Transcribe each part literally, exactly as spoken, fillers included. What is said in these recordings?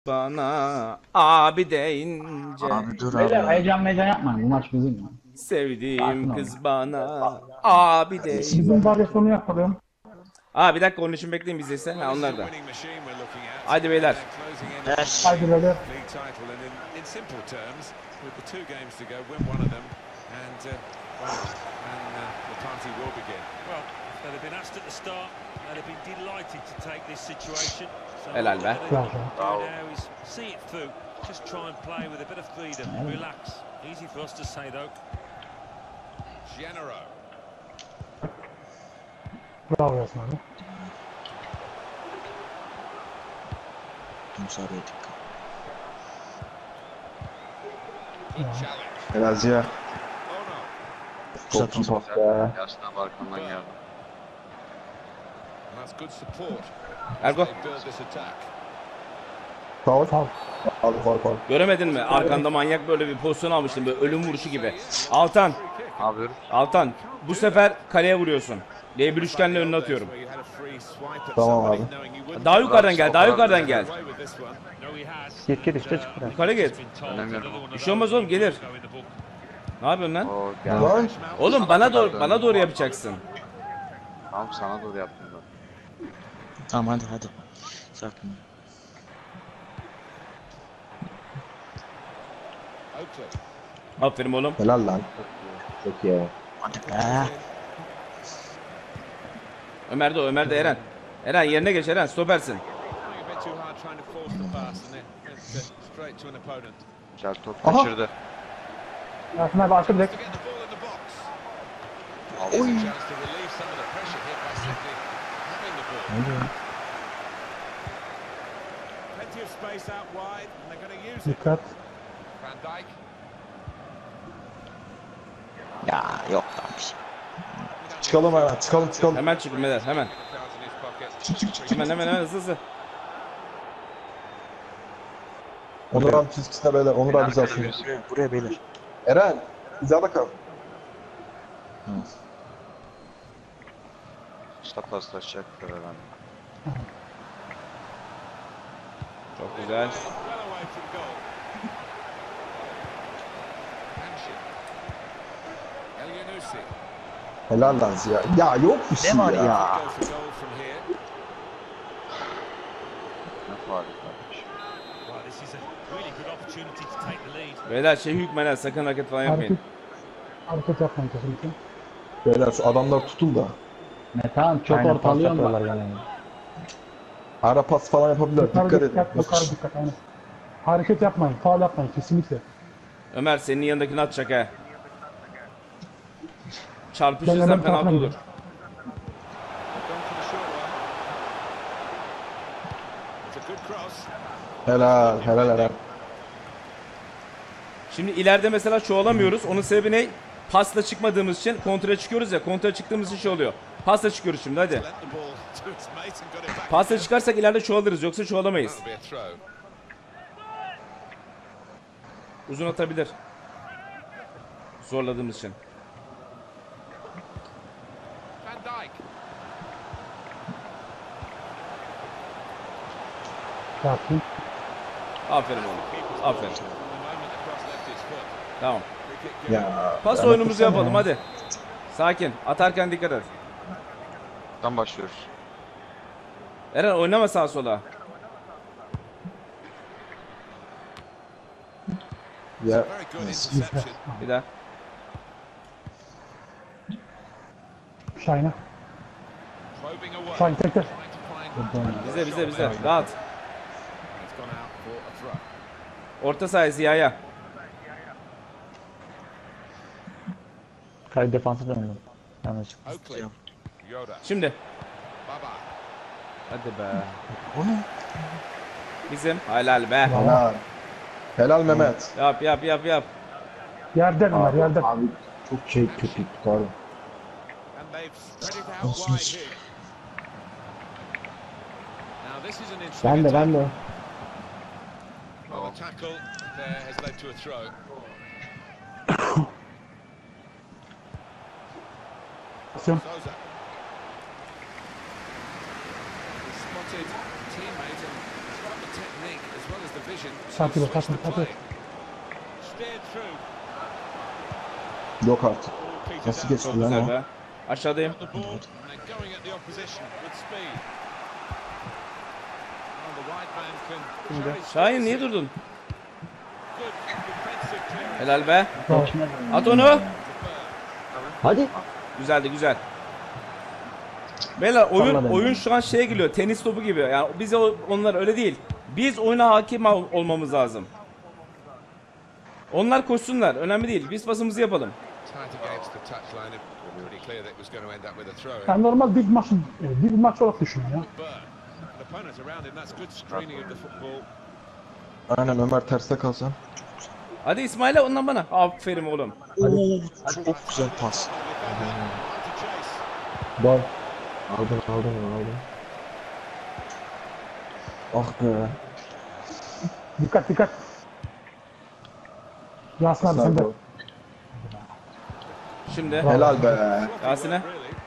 Bana abi deyince Abi dur Beyler abi. heyecan heyecan yapmayın. Bu maç bizim ya. Sakin sevdiğim ol. kız bana abi deyince. Bizim varyasyonu yapalım. Aa bir dakika onun için bekleyin biz ise. Ha onlar da. Hadi beyler. Ver. Haydi beyler. Helal be. Bravo. Bravo. Bravo Yasin abi. Musa'ya dikkat. Helal Ziya. Uzatın. Top pas be. Yasin abi arkamdan geldi. Ergo Faul. Faul. Faul faul faul. göremedin mi? Arkanda manyak böyle bir pozisyon almıştım böyle ölüm vuruşu gibi. Altan, Ne yapıyoruz? Altan bu sefer kaleye vuruyorsun. D bir üçgenle önüne atıyorum. Tamam abi. Daha yukarıdan gel, daha yukarıdan gel. Git git işte çık buraya. Yukarı git. Önemiyorum. Bir şey olmaz oğlum gelir. Ne yapıyorsun lan? Oo gel. Lan. Oğlum bana doğru bana doğru yapacaksın. Tamam sana doğru yaptım ben. Tamam hadi hadi. Sakin. Aferin oğlum. Helal lan. Çok iyi. Hadi be. Ömer de o, Ömer de Eren. Eren yerine geç Eren, stopersin. Güzel top Aha. kaçırdı. Yasin abi arka direkt. Oy. Dikkat. Ya yok lan bir şey. Çıkalım hemen. Çıkalım çıkalım. Hemen çıkın beyler, hemen. Çık çık çık. Hemen hemen hemen hızlı hızlı. Onur abi çizgisine beyler. Onur abi bizi alsın. Buraya, buraya beyler. Eren. Hizada kal. Usta paslaşacaklar herhalde. Çok güzel. Helal lan Ziya. Ya yok bir şey Ne var ya. ya? Ne faal kardeş. Beyler şey hükmeden sakın hareket falan yapmayın. Hareket. Hareket yapmayın kesinlikle. Beyler şu adamlar tutun da. Metan çok ortalıyorlar yani. Ara pas falan yapabilirler. Yukarı Dikkat edin. dikkat, yukarı dikkat. Aynen. Hareket yapmayın, faul yapmayın kesinlikle. Ömer senin yanındakini atacak he. Ben Çarpışırsan hemen penaltı tarafına olur. Helal. Helal Eren. Şimdi ileride mesela çoğalamıyoruz. Onun sebebi ne? Pasla çıkmadığımız için kontra çıkıyoruz ya. Kontra çıktığımız için şey oluyor. Pasla çıkıyoruz şimdi hadi. Pasla çıkarsak ileride çoğalırız yoksa çoğalamayız. Uzun atabilir. Zorladığımız için. Yasin. Aferin oğlum. Aferin. Tamam. Ya. Pas ben oyunumuzu yapasana yapalım ya. hadi. Sakin. Atarken dikkat et. Tam başlıyoruz. Eren oynama sağa sola. Ya. Bir daha. Şahin'e. Şahin tek tek. Bize bize bize. Rahat. Orta sahaya Ziya'ya. Kale defansı döndüm. Yanlış. Şimdi. Hadi be. O ne? Bizim. Helal be. Helal. Helal Mehmet. Yap yap yap yap. Yerden onlar yerden. Abi çok şey kötü pardon. Olsun hiç. Ben de ben de. Basıyorum. Spotted teammate and got the technique as well as the Sakin ol, sakin ol, sakin ol. Yok artık. Nasıl geçti Çok lan güzel o? be. Aşağıdayım. Şahin niye durdun? Helal be. Bravo. At onu. Hadi. Güzeldi güzel. Beyler oyun Salla beni. oyun şu an şeye geliyor. Tenis topu gibi. Yani biz o- onlar öyle değil. Biz oyuna hakim ol- olmamız lazım. Onlar koşsunlar. Önemli değil. Biz pasımızı yapalım. Yani normal bir maç, bir maç olarak düşün ya. Aynen Ömer terste kalsan. Hadi İsmail'e ondan bana. Aferin oğlum. Oo, çok güzel pas. Gol. Aldın aldın aldın. Ah be. Dikkat dikkat. Yasin abi sen de. Şimdi Helal be. Yasin'e.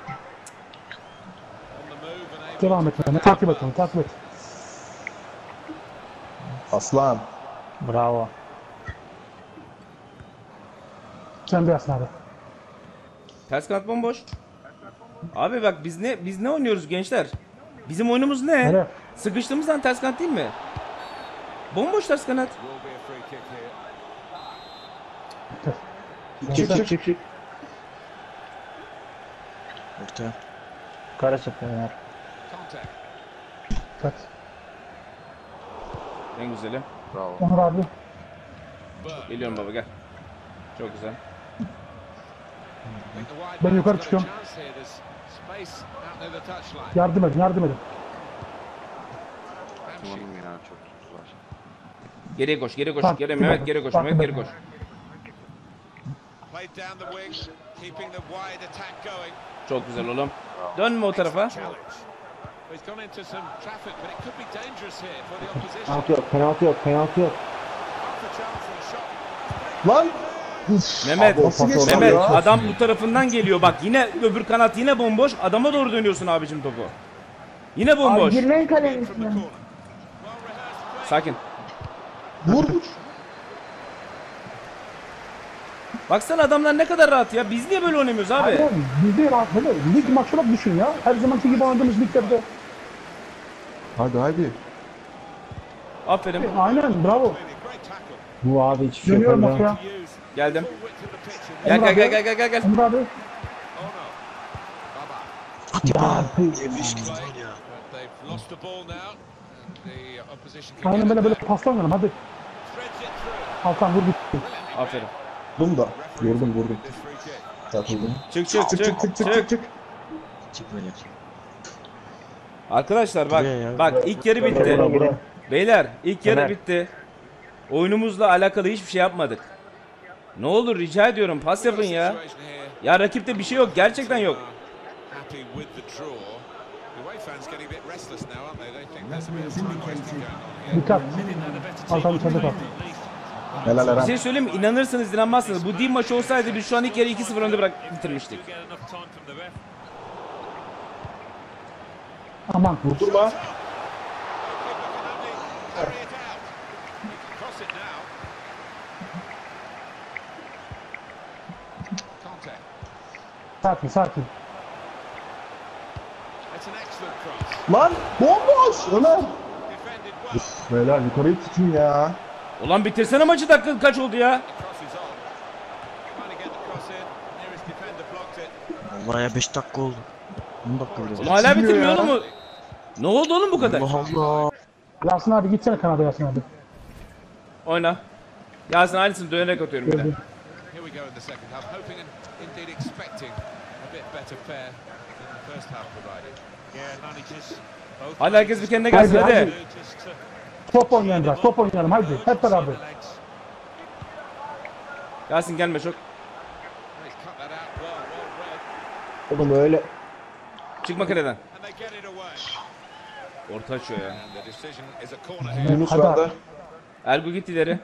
Devam et. Yani. Takip et onu, takip et. Aslan. Bravo. Sen de Yasin abi. Ters kanat bomboş. Abi bak biz ne biz ne oynuyoruz gençler? Bizim oyunumuz ne? Nereye? Sıkıştığımızdan ters kanat değil mi? Bomboş ters kanat. Çık çık çık çık. Ortaya. Kara çapıyor. Dikkat. En güzeli. Bravo. Onur abi. Geliyorum baba gel. Çok güzel. Ben yukarı çıkıyorum. Yardım edin, yardım edin. Kullanım yine çok tuttular. Geriye koş, geriye koş. Takip Geri et. Mehmet geri koş. Takip Mehmet et. geri koş. Çok güzel oğlum. Dönme o tarafa. Penaltı yok, penaltı yok, penaltı yok. Lan. Mehmet, Abi, nasıl geçti Mehmet ya? adam bu tarafından geliyor. Bak yine öbür kanat yine bomboş. Adama doğru dönüyorsun abicim topu. Yine bomboş. Girmeyin kalenin içine. Sakin. Vur vur. Baksana adamlar ne kadar rahat ya. Biz niye böyle oynamıyoruz abi? Abi biz de rahat böyle. Lig maç olarak düşün ya. Her zamanki gibi oynadığımız liglerde. Hadi hadi. Aferin. Aynen, bravo. Bu abi hiçbir şey Dönüyorum yapamıyor. ortaya. Geldim. Gel gel gel gel gel gel gel. Onur abi. Hadi be. Aynen böyle böyle pasla oynayalım hadi. Altan vur bitti. Aferin. Vurdum da. Vurdum vurdum. Takıldım. Çık çık çık çık. çık çık çık. Çık böyle. Arkadaşlar bak Buraya ya. bak ilk yarı bitti. Beyler ilk yarı Ömer. bitti. Oyunumuzla alakalı hiçbir şey yapmadık. Ne olur rica ediyorum pas yapın ya. Ya rakipte bir şey yok gerçekten yok. Dikkat. Altan içeride kal. Helal Bir Eren. şey söyleyeyim mi? İnanırsınız inanmazsınız. Bu değil maçı olsaydı biz şu an ilk yarı iki sıfır önde bırak bitirmiştik. Aman. Vurdurma. Sakin sakin. Lan bomboş Ömer. Uf, beyler yukarıyı tutun ya. Ulan bitirsene maçı dakika kaç oldu ya? Vallahi ya beş dakika oldu. on dakika bile. Ulan hala Bitmiyor bitirmiyor ya. oğlum mu? Ne oldu oğlum bu kadar? Allah Allah. Yasin abi gitsene Kanada Yasin abi. Oyna. Yasin aynısını dönerek atıyorum bir de. Gördüm. Here we go in the second half, hoping and indeed expecting a bit better fare than the first half provided. Yeah, managers both Hadi herkes bir kendine gelsin Haydi, hadi. haydi. Top oynayalım biraz, top oynayalım haydi. Hep beraber. Yasin gelme çok. cut that out well, well read, Oğlum öyle. Çıkma kaleden. and they get it away. Orta açıyor ya. And the decision is a corner here. Yunus Hadi bende. abi. Ergo git ileri.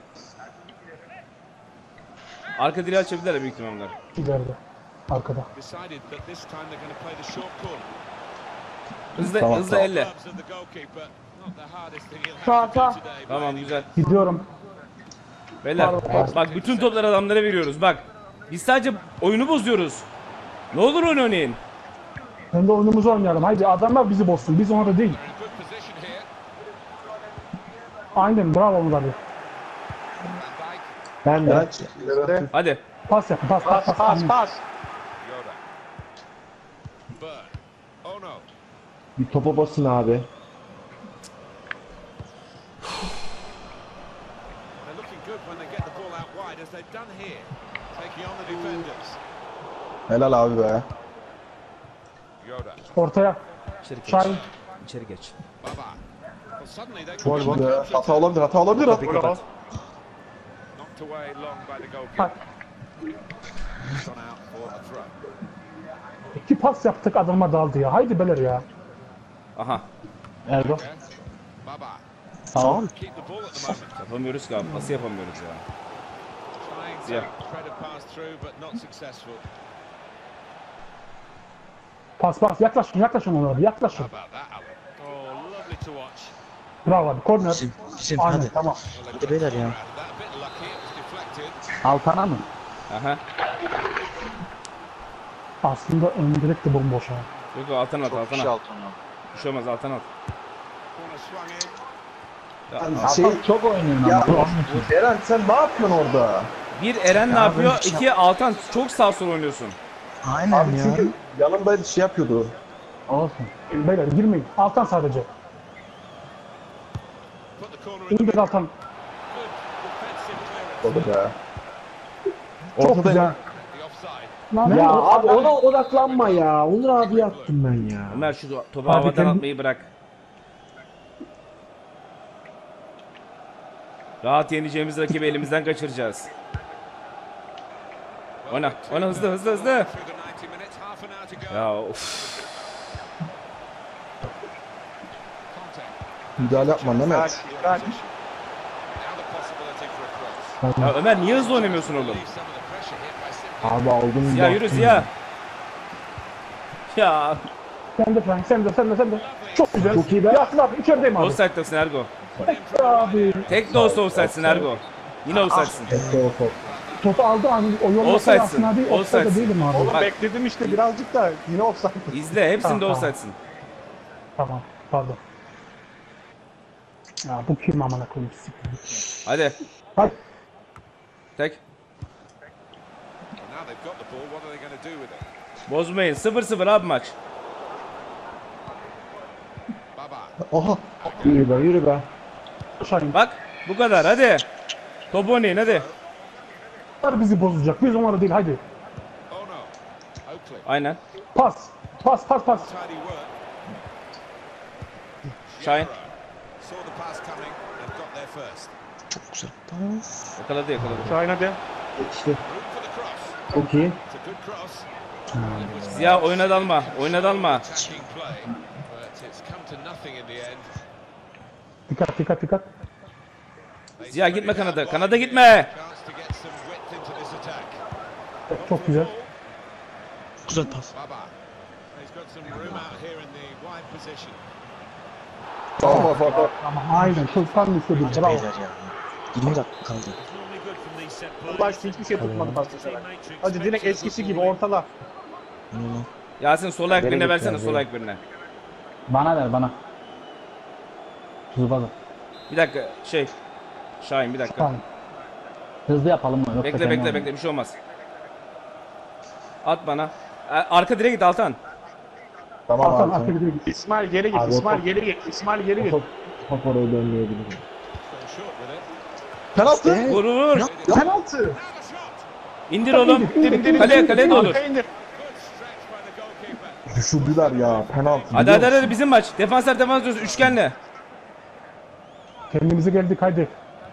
Arka direği açabilirler büyük ihtimalle. İleride. Arkada. Decided that this time they're going to play the short corner. Hızlı Tamam, hızlı tamam. elle. Gloves of the goalkeeper, Not the hardest thing he'll Sağ, have to do sağ. today by Tamam any güzel. Gidiyorum. Beyler bak bütün topları adamlara veriyoruz bak. Biz sadece oyunu bozuyoruz. Ne olur oyun oynayın. Hem de oyunumuzu oynayalım. Haydi adamlar bizi bozsun. Biz onları değil. They're in good position here. Aynen bravo Onur abi. Van Dijk. Ben Ben de. ileri. Hadi. Pas yapın. Pas pas pas. pas, pas. Yoda. Burn. Oh no. Bir topa basın abi. They're looking good when they get the ball out wide, as they've done here. Taking on the defenders. Helal abi be. Yoda. Ortaya. İçeri geç. Şahin. İçeri geç. Baba. Well, suddenly they Çok could iyi be. Hata olabilir, hata olabilir. Kapıyı kapat. knocked away long by the goalkeeper. Bak. Gone out for a throw. İki pas yaptık adama daldı ya. Haydi beler ya. Aha. Erdo. Yeah. Baba. Tamam. Keep the ball at the moment. Yapamıyoruz ki abi. Nasıl yapamıyoruz ya? Trying to Yeah. thread a pass through, but not successful. Pas pas. Yaklaşın yaklaşın Onur abi. Yaklaşın. How about that, Alan? Oh, lovely to watch. Bravo abi. Korner. Bizim, bizim Aynen hadi. tamam. Hadi beyler ya. That a bit lucky, it was deflected. Altana mı? Aha. Aslında ön direkt de bomboş ha. Yok yok alttan at Çok alttan kişi at. altına. Bir şey olmaz alttan at. Corner swung in. Ya, Şey, çok oynuyorsun ya Eren sen ne yapıyorsun orada? bir Eren ne Ya yapıyor? ben hiç İki Altan çok sağ sol oynuyorsun. Aynen Abi çünkü yanımda şey yapıyordu. Olsun. Beyler girmeyin. Altan sadece. Put the corner in the İndir Altan. good defensive clearance. Orada be. Çok Ortada güzel. The offside. Lan Ya o- abi ona odaklanma ya. Onur abi yaptım ben ya. Ömer şu topu Abi havadan kendi- atmayı bırak. Rahat yeneceğimiz rakibi elimizden kaçıracağız. Oyna, oyna hızlı hızlı hızlı. Through the ninety minutes, half an hour to go. Ya of. Contact. Müdahale yapma Mehmet. Now the possibility for a cross. Ya Ömer niye hızlı oynamıyorsun oğlum? Leave some of the pressure here by simply Abi aldım. Ziya yürü Ziya. Ya Sen de Frank. Sen de sen de sen de. Çok güzel. Çok iyi be. Yasin abi içerideyim abi. offside'dasın Ergo. Abi. Tek de olsa offside'sin Ergo. Yine offside'sin. Topu aldı abi. O yolda Offside'sin, Yasin abi. Offside'da offside'sin. değilim abi. Oğlum bekledim işte birazcık da yine offside. İzle hepsinde Tamam, offside'sin. Tamam. Pardon. Ya bu kim amına koyayım? Siktir. Hadi Hadi. tek. now they've got the ball. What are they going to do with it? Bozmayın. sıfır sıfır abi maç. Baba. Oha. Yürü be yürü be. Şahin. Bak bu kadar hadi. Top oynayın hadi. Onlar bizi bozacak. Biz onları değil. Hadi. Oh no. Oakley. Aynen. Pas. Pas pas pas. Tidy work. Şahin. Saw the pass coming and got there first. Çok güzel. Pas. Yakaladı yakaladı. Şahin hadi. İşte Room for the cross. çok iyi. It's a good cross. It was Ziya oyuna dalma. Oyuna dalma. attacking play, but it's come to nothing in the end. Dikkat dikkat dikkat. They Ziya spread gitme it out kanada. wide. Kanada gitme. Chance to get some width into this attack. Çok güzel. Güzel pas. Baba. He's got some room out here in the wide position. Tamam bak bak. Ama aynen. Çok tam istediğim. Hadi Bravo. beyler ya. yirmi dakika kaldı. Başta hiçbir şey tutmadı pasta. Hadi direkt eskisi gibi ortala. Ne lan? Yasin sol ayak birine Nereye versene gitti sol abi? ayak birine. Bana ver bana. Hızlı Bir dakika şey. Şahin bir dakika. Tamam. Hızlı yapalım mı? Yoksa Bekle kendi bekle oynayalım. bekle bir şey olmaz. At bana. E, Arka direğe git Altan. Tamam Hasan abi. arka gidiyor. İsmail geri git, Abi, İsmail o- geri git, İsmail geri git. Top, top oraya dönmeyebilir. Fell short with it. Penaltı. Vur vur. Penaltı. Now the shot. İndir oğlum. İndir, indir, Kaleye indir, kaleye de olur. Arkaya indir. Good stretch by the goalkeeper. Düşürdüler ya penaltı. Hadi hadi hadi bizim maç. Defanslar defans diyoruz üçgenle. Kendimize geldik haydi.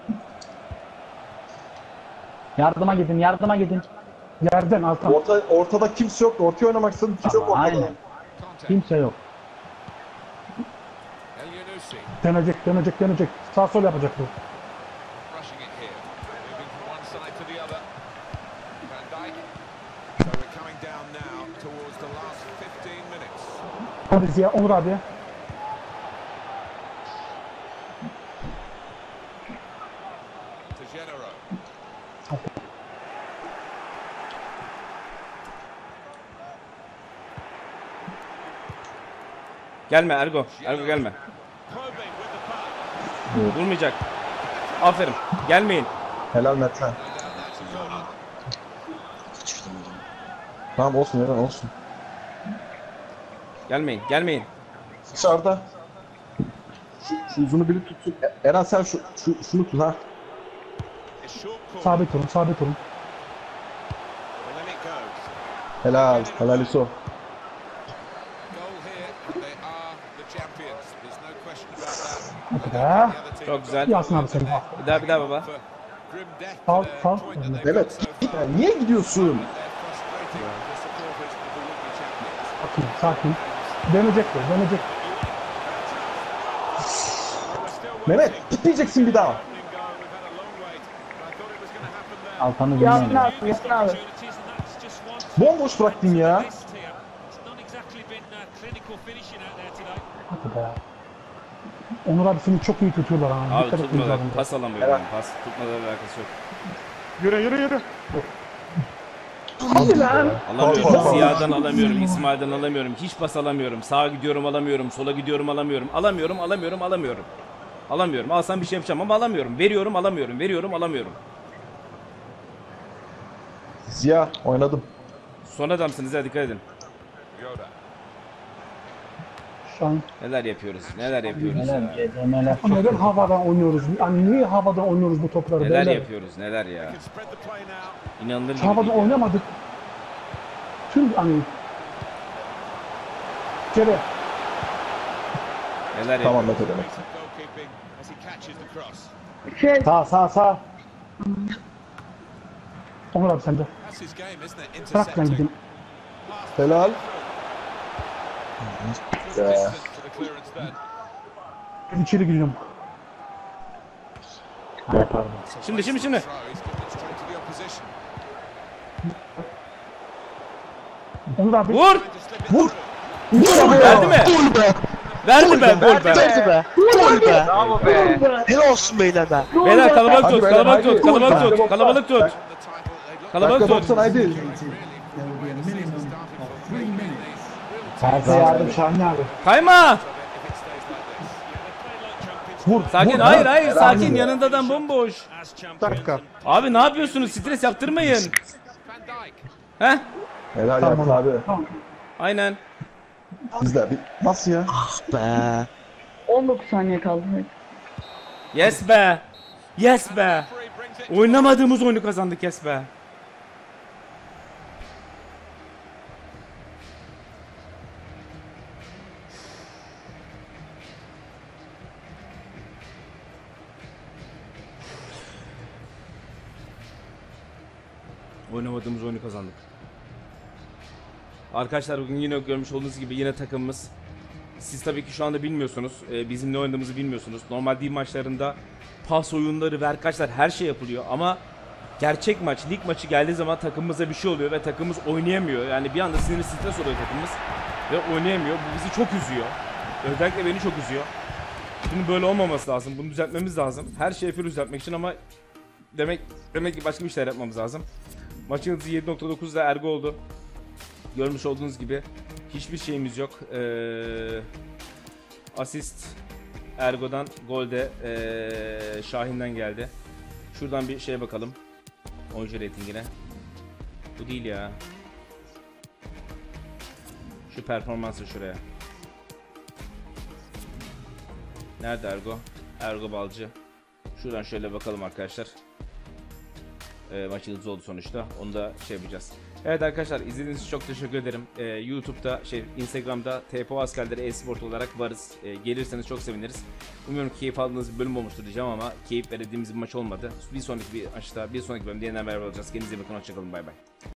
Yardıma gidin, yardıma gidin. Yerden Altan. Orta, ortada kimse yok. Ortaya oynamak istedim. Kimse yok ortada. Aynen. Contact. Kimse yok. El Yunusi Dönecek, dönecek, dönecek. Sağ sol yapacak bu. rushing it here. Moving from one side to the other. Van Dijk. So we're coming down now towards the last fifteen minutes. Hadi Ziya, Onur abi. to Genero. Gelme Ergo. Ergo gelme. Probing with the puck. Vurmayacak. Aferin. Gelmeyin. Helal Mete. No doubt that's a corner. Tamam olsun Eren olsun. Gelmeyin. Gelmeyin. Dışarıda. Şu, şu uzunu biri tutsun. E- Eren sen şu, şu şunu tut ha. It's short corner. Sabit durun, sabit durun. And then it goes. Helal. Helal İso. Goal here, and they are the champions. There's no question about that. Hadi be. The other team Çok güzel. Yasin abi seni. Bir daha bir daha baba. for grim death Sağ, to their sağ. point that they've got Evet. so far. Ya niye gidiyorsun? They're frustrating the supporters of the would-be champions. Sakin, sakin. Dönecektir, dönecek. Mehmet gitmeyeceksin bir daha. Altan'ı bilmiyorum. abi, Yasin abi. Bomboş bıraktın ya. Hadi be. Onur abi seni çok iyi tutuyorlar ha. Abi Dikkat etmemiz tutmadı. lazım. Pas alamıyorum. Pas tutmadan alakası yok. Yürü yürü yürü. Hadi lan. Alamıyorum. Ziya'dan alamıyorum. İsmail'den alamıyorum. Hiç pas alamıyorum. Sağa gidiyorum alamıyorum. Sola gidiyorum alamıyorum. Alamıyorum alamıyorum alamıyorum. Alamıyorum. Alsam bir şey yapacağım ama alamıyorum. Veriyorum alamıyorum. Veriyorum alamıyorum. Ziya oynadım. Son adamsınız ha, dikkat edin. Yoda. Şu an Neler yapıyoruz? Neler yapıyoruz Neler, ya? gecemeler. neden havadan oynuyoruz? Yani niye havadan oynuyoruz bu topları? Neler beyler? yapıyoruz? Neler ya? Can spread the play now. İnanılır Hiç gibi havadan değil ya. oynamadık. Tüm hani içeri. Neler Tamam yapıyoruz? Mete demek. Decent goalkeeping as he catches the cross. Şey, Sağ sağ sağ. Onur abi sende. That's his game, isn't it? Bırak ben Intercepting. gideyim. Helal. Distance to the clearance then. Ben içeri giriyorum. Ay, pardon. Şimdi şimdi şimdi. Throw, he's given it straight to the opposition. Onur abi. Vur! Trying to slip it through. Verdi mi? Verdi be. Gol be. Gol be. Bravo be. Helal olsun beyler be. Beyler kalabalık Hadi tut. beyler, Kalabalık hadi. tut. Kalabalık Hadi tut. boksa. Kalabalık tut. The title, they've looked Kalabalık Dakika tut. doksan haydi. really the way the season started for them. Maybe these real Terse yardım Şahin abi. Kayma. if it stays like this. Vur. Sakin. vur. Hayır hayır. Sakin. Yanında adam bomboş. Dakika. Abi ne yapıyorsunuz? Stres yaptırmayın. Van Dijk. Heh. Helal Tamam Yasin abi. Tamam. Aynen. Bizde bir... Nasıl ya? Be. on dokuz saniye kaldı. Yes be. Yes be. Referee brings it. Oynamadığımız oyunu kazandık yes be. Oynamadığımız oyunu kazandık. Arkadaşlar bugün yine görmüş olduğunuz gibi yine takımımız. Siz tabii ki şu anda bilmiyorsunuz. Ee, bizim ne oynadığımızı bilmiyorsunuz. Normal değil maçlarında pas oyunları ve arkadaşlar her şey yapılıyor ama gerçek maç, lig maçı geldiği zaman takımımıza bir şey oluyor ve takımımız oynayamıyor. Yani bir anda sinirli stres oluyor takımımız ve oynayamıyor. Bu bizi çok üzüyor. Özellikle beni çok üzüyor. Bunun böyle olmaması lazım. Bunu düzeltmemiz lazım. Her şeyi full düzeltmek için ama demek demek ki başka bir şeyler yapmamız lazım. Maçın hızı yedi nokta dokuzda Ergo oldu. Görmüş olduğunuz gibi hiçbir şeyimiz yok. Ee, asist Ergo'dan, gol de ee, Şahin'den geldi. Şuradan bir şeye bakalım. Oyuncu reytingine. Bu değil ya. Şu performansı şuraya. Nerede Ergo? Ergo Balcı. Şuradan şöyle bakalım arkadaşlar. E, maçı hızlı oldu sonuçta. Onu da şey yapacağız. Evet arkadaşlar izlediğiniz için çok teşekkür ederim. E, YouTube'da, şey Instagram'da T P O Askerleri e-sport olarak varız. E, gelirseniz çok seviniriz. Umuyorum keyif aldığınız bir bölüm olmuştur diyeceğim ama keyif verdiğimiz bir maç olmadı. Bir sonraki bir maçta, bir sonraki bölümde yeniden beraber olacağız. Kendinize bakın, hoşçakalın, bay bay.